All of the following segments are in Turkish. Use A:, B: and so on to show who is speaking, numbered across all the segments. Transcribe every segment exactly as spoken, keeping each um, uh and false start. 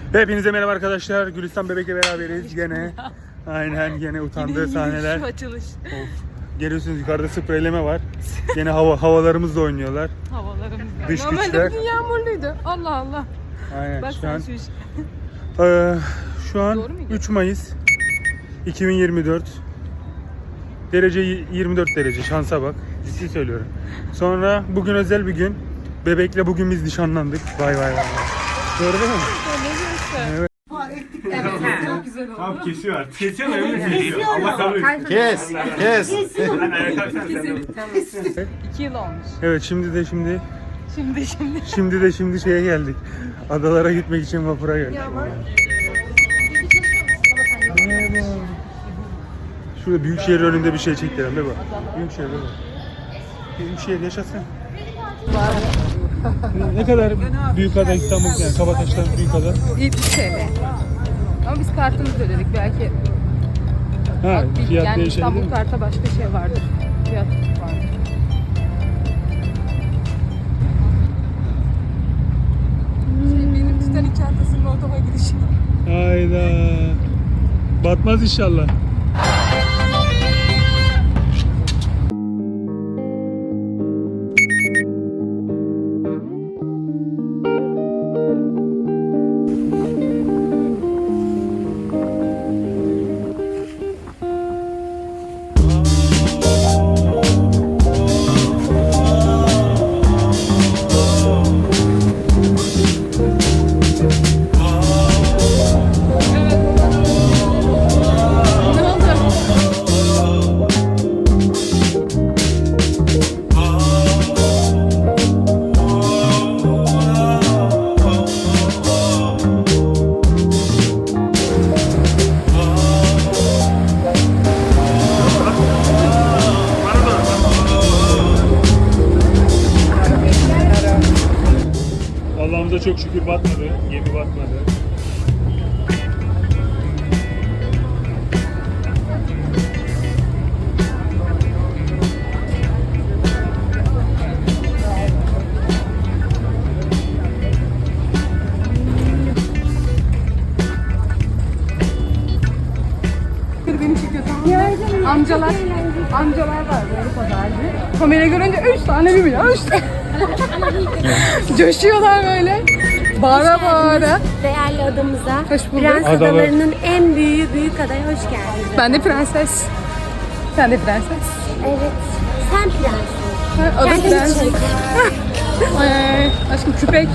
A: Hepinize merhaba arkadaşlar. Gülistan Bebek'le beraberiz gene. Aynen gene utandığı sahneler.
B: Şu açılış.
A: Of. Görüyorsunuz yukarıda spreyleme var. Gene hava havalarımızla oynuyorlar.
B: Havalarımız.
A: Dış
B: Normalde
A: güçler.
B: bugün yağmurluydu. Allah Allah.
A: Aynen
B: Bak
A: şu
B: sen
A: an.
B: şu iş.
A: Ee, şu an
B: Doğru muydu?
A: üç Mayıs iki bin yirmi dört. Derece yirmi dört derece. Şansa bak. Ciddi söylüyorum. Sonra bugün özel bir gün. Bebekle bugün biz nişanlandık. Vay vay vay. Doğru değil mi?
B: Ne diyorsun?
A: Evet.
B: Evet, çok güzel oldu.
A: Tamam kesiyor artık. Kesiyor da öyle kesiyor. Allah kabul etsin.
C: Kes, kes.
B: İki yıl olmuş.
A: Evet şimdi de şimdi
B: Şimdi şimdi.
A: şimdi de şimdi şeye geldik. Adalara gitmek için vapura geldik. Merhaba. Şurada Büyükşehir önünde bir şey çektiler be bak. Büyükşehir be bak. Büyükşehir yaşasın. Ne kadar büyük ada İstanbul yani Kabataş'tan büyük ada?
B: yetmiş T L. Ama biz kartımızla ödedik belki.
A: Ha,
B: Bir-
A: fiyat
B: yani
A: değişebilir
B: İstanbul
A: mi?
B: karta başka şey vardır. Fiyat vardır. Şey, benim Titanic çantasının otoma gidişi.
A: Hayda. Batmaz inşallah.
B: Ne oldu?
A: Allah'ımıza çok şükür batmadı. Gemi batmadı.
B: Beni çekiyor tamam mı? Amcalar, amcalar var böyle pazarcı. Kamera görünce üç tane bir milyon, üç tane. Coşuyorlar böyle. Bağıra bağıra.
D: Değerli adamıza,
B: Hoş bulduk.
D: Prens
A: Adalar.
D: Adaları'nın en büyüğü büyük adaya hoş geldiniz.
B: Ben de prenses. Sen de prenses.
D: Evet, sen prenssin.
B: Ha, adı
D: Kendini
B: prens.
D: çek.
B: Ay, aşkım küpek.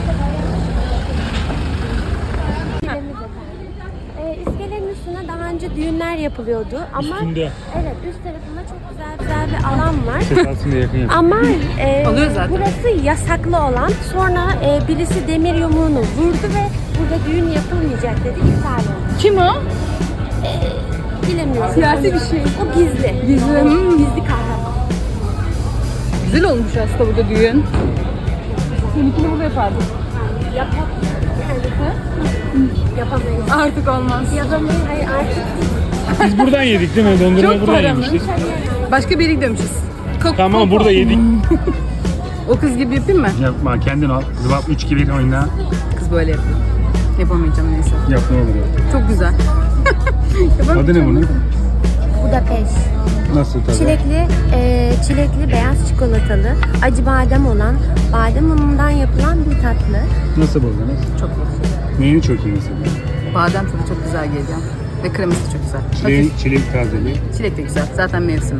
D: Ee, iskelenin üstüne daha önce düğünler yapılıyordu ama
A: Üstünde.
D: evet üst tarafında çok güzel güzel bir alan var.
A: Ses aslında yakın yakın.
D: Ama e,
B: Alıyor zaten.
D: burası yasaklı olan. Sonra e, birisi demir yumruğunu vurdu ve burada düğün yapılmayacak dedi, iptal oldu.
B: Kim o?
D: Bilemiyorum.
B: Siyasi bir şey.
D: O gizli.
B: Gizli. Hmm.
D: Gizli kahraman.
B: Güzel olmuş aslında burada düğün. Seninkini burada yapardık.
D: Yapalım. Yapamayız.
B: Artık olmaz.
D: Yapamayız. Hayır artık.
A: Biz buradan yedik değil mi? Dondurma
B: Çok
A: buradan
B: paramız.
A: yemiştik.
B: Başka bir yere gidiyormuşuz. Kok-
A: Tamam
B: kok-
A: burada yedik.
B: O kız gibi yapayım mı?
A: Yapma kendin al. Zıbap üç gibi oyna.
B: Kız böyle yapıyor. Yapamayacağım neyse.
A: Yap ne olur ya.
B: Çok güzel.
A: Adı ne bunun?
D: Budapest.
A: Nasıl tadı?
D: Çilekli, e, çilekli beyaz çikolatalı, acı badem olan, badem unundan yapılan bir tatlı.
A: Nasıl buldunuz?
B: Çok güzel.
A: Neyini çok iyi mesela?
B: Badem tadı çok güzel geliyor. Ve kreması çok güzel.
A: Çilek,
B: Hafif.
A: çilek tazeli.
B: Çilek de güzel. Zaten mevsimi.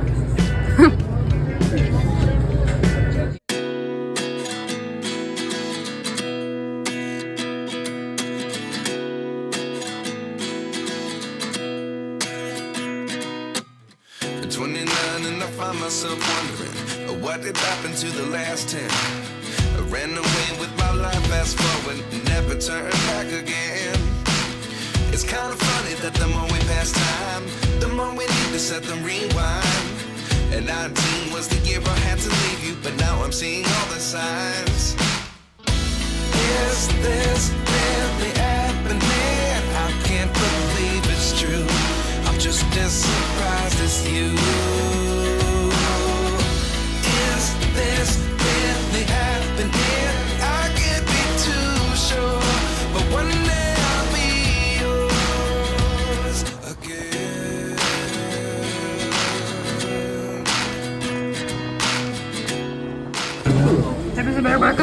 E: twenty-nine and I find myself wondering uh, what did happen to the last ten. I ran away with my life, fast forward, never turn back again. It's kind of funny that the more we pass time, the more we need to set them rewind. And nineteen was the year I had to leave you, but now I'm seeing all the signs. Is this really happening? I can't believe it's true. I'm just as surprised as you. Is this really happening? I can't be too sure, but one day I'll be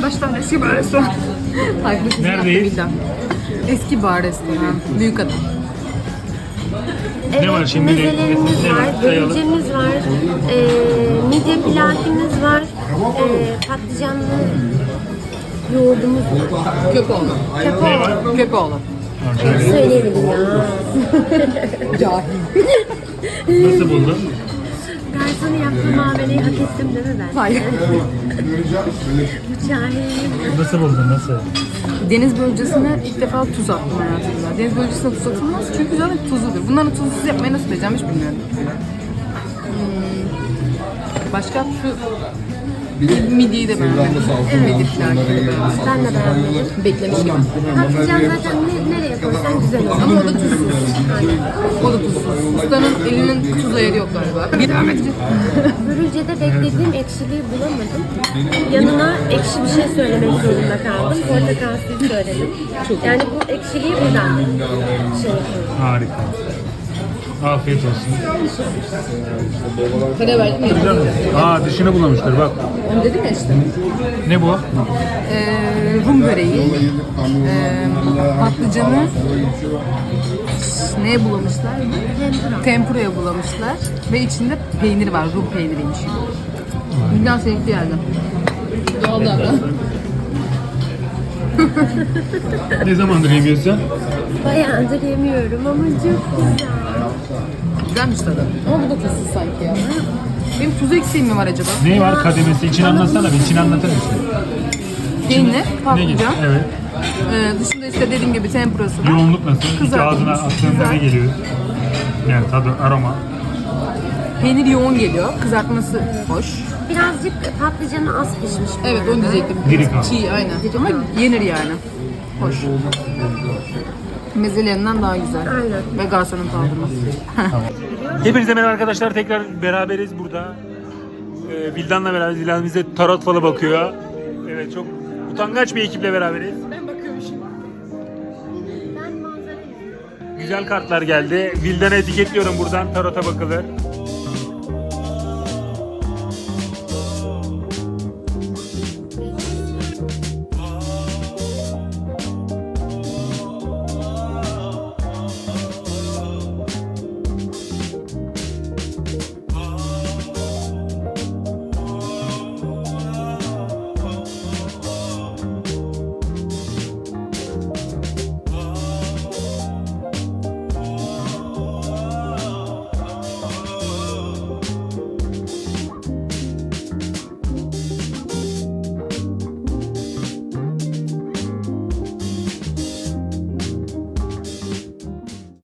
B: baştan eski bar restoran. Taklit
A: Neredeyiz?
B: Eski bar restoran. Büyük adam.
D: Evet,
A: var şimdi? Ne-
D: mezelerimiz
A: ne var?
D: var,
A: Sayalım.
D: börülcemiz var, e, midye pilavımız var, e, patlıcanlı yoğurdumuz var.
B: Köpoğlu.
D: Köpoğlu.
B: Köpoğlu.
D: Söyleyemedim ya.
B: Cahil.
A: Nasıl buldun?
D: Garsonu yaptığım muameleyi hak ettim değil mi ben?
B: Hayır.
D: Bu cahil.
A: Nasıl buldun? Nasıl?
B: Deniz börülcesine ilk defa tuz attım hayatımda. Deniz börülcesine tuz atılmaz çünkü zaten tuzludur. Bunların tuzsuz yapmayı nasıl edeceğim hiç bilmiyorum. Hmm. Başka şu midyeyi de beğendim. Midye pilavı da beğendim.
D: Ben de beğenmedim.
B: Beklemiş gibi.
D: Patlıcan zaten ne, nereye koysan güzel olur.
B: Ama o da tuzsuz. O da tuzsuz. Ustanın elinin tuz ayarı yok galiba. Bir devam edeceğim.
D: Börülcede beklediğim ekşiliği bulamadım. Yanına ekşi bir şey söylemek zorunda kaldım. Portakal suyu söyledim. Yani bu ekşiliği buradan şey yapıyorum.
A: Harika. Afiyet olsun.
B: Para verdim ya.
A: Aa dışını bulamışlar bak.
B: Onu dedim ya işte.
A: Ne bu?
B: Ee, Rum böreği, ee, patlıcanı neye bulamışlar?
D: Tempura.
B: Tempura'ya bulamışlar ve içinde peynir var, Rum peyniriymiş. Bilden sevkli geldi. Doğallardan.
A: Ne zamandır yemiyorsun?
D: Bayağıdır yemiyorum ama çok güzel.
B: Güzelmiş tadı. Ama bu da tuzsuz sanki ya. Benim tuz eksiğim mi var acaba?
A: Ne var kademesi? İçini anlatsana bir. İçini anlatır mısın?
B: Peynir,
A: Ne gibi?
B: patlıcan.
A: Evet.
B: Ee, dışında işte dediğim gibi tempurası var.
A: Yoğunluk nasıl? İlk
B: Kızartılmış,
A: ağzına attığında ne
B: güzel.
A: geliyor? Yani tadı, aroma.
B: Peynir yoğun geliyor. Kızartması hoş.
D: Birazcık patlıcanı az pişmiş bu
B: Evet
D: arada.
B: onu diyecektim.
A: Diri kal.
B: Çiğ aynen. Ama yenir yani. Hoş. Mezelerinden daha güzel.
D: Aynen.
B: Ve garsonun kaldırması.
A: Hepinize merhaba arkadaşlar. Tekrar beraberiz burada. Ee, Vildan'la beraberiz. Vildan bize tarot falı bakıyor. Evet çok utangaç bir ekiple beraberiz.
D: Ben manzara izliyorum.
A: Güzel kartlar geldi. Vildan'ı etiketliyorum buradan. Tarota bakılır.